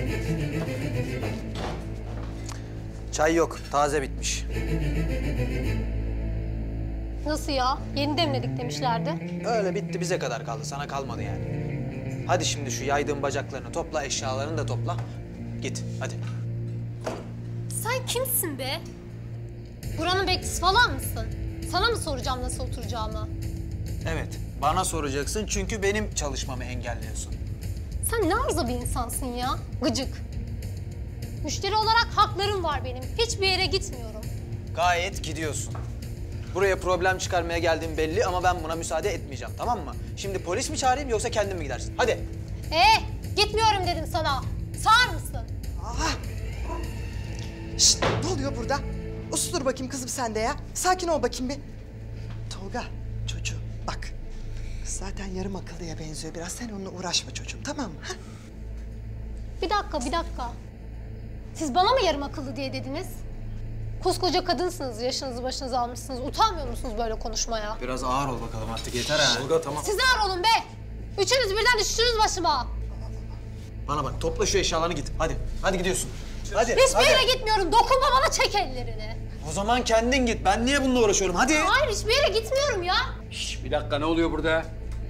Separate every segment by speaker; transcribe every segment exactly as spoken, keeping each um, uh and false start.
Speaker 1: Çay yok, taze bitmiş.
Speaker 2: Nasıl ya? Yeni demledik demişlerdi.
Speaker 1: Öyle bitti, bize kadar kaldı, sana kalmadı yani. Hadi şimdi şu yaydığın bacaklarını topla, eşyalarını da topla. Git, hadi.
Speaker 2: Sen kimsin be? Buranın bekçisi falan mısın? Sana mı soracağım nasıl oturacağımı?
Speaker 1: Evet, bana soracaksın çünkü benim çalışmamı engelliyorsun.
Speaker 2: Sen ne arıza bir insansın ya? Gıcık. Müşteri olarak haklarım var benim. Hiçbir yere gitmiyorum.
Speaker 1: Gayet gidiyorsun. Buraya problem çıkarmaya geldiğim belli ama ben buna müsaade etmeyeceğim, tamam mı? Şimdi polis mi çağırayım yoksa kendin mi gidersin? Hadi.
Speaker 2: Ee, gitmiyorum dedim sana. Sağır mısın?
Speaker 3: Aha! Şşt, ne oluyor burada? Ustur bakayım kızım sen de ya. Sakin ol bakayım bir. Tolga, çocuğum bak. Kız zaten yarım akıllıya benziyor biraz. Sen onunla uğraşma çocuğum, tamam mı? Ha?
Speaker 2: Bir dakika, bir dakika. Siz bana mı yarım akıllı diye dediniz? Koskoca kadınsınız, yaşınızı başınıza almışsınız. Utanmıyor musunuz böyle konuşmaya?
Speaker 1: Biraz ağır ol bakalım artık, yeter ha. Tolga tamam.
Speaker 2: Siz ağır olun be! Üçünüz birden düştünüz başıma.
Speaker 1: Bana bak, topla şu eşyalarını git. Hadi, hadi gidiyorsun. Hadi,
Speaker 2: Hiçbir
Speaker 1: hadi.
Speaker 2: yere gitmiyorum. Dokunma bana, çek ellerini.
Speaker 1: O zaman kendin git. Ben niye bununla uğraşıyorum? Hadi.
Speaker 2: Hayır, hiçbir yere gitmiyorum ya.
Speaker 4: Şş, bir dakika, ne oluyor burada?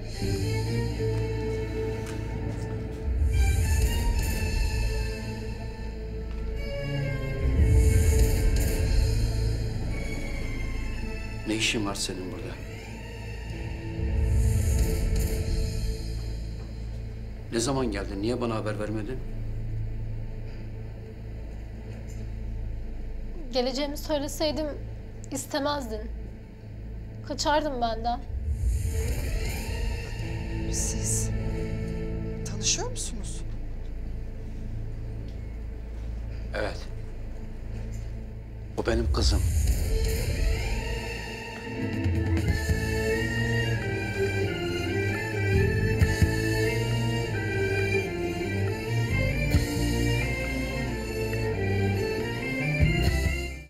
Speaker 4: Ne işin var senin burada? Ne zaman geldin? Niye bana haber vermedin?
Speaker 2: Geleceğimi söyleseydim istemezdin. Kaçardın benden.
Speaker 3: Siz tanışıyor musunuz?
Speaker 4: Evet. O benim kızım.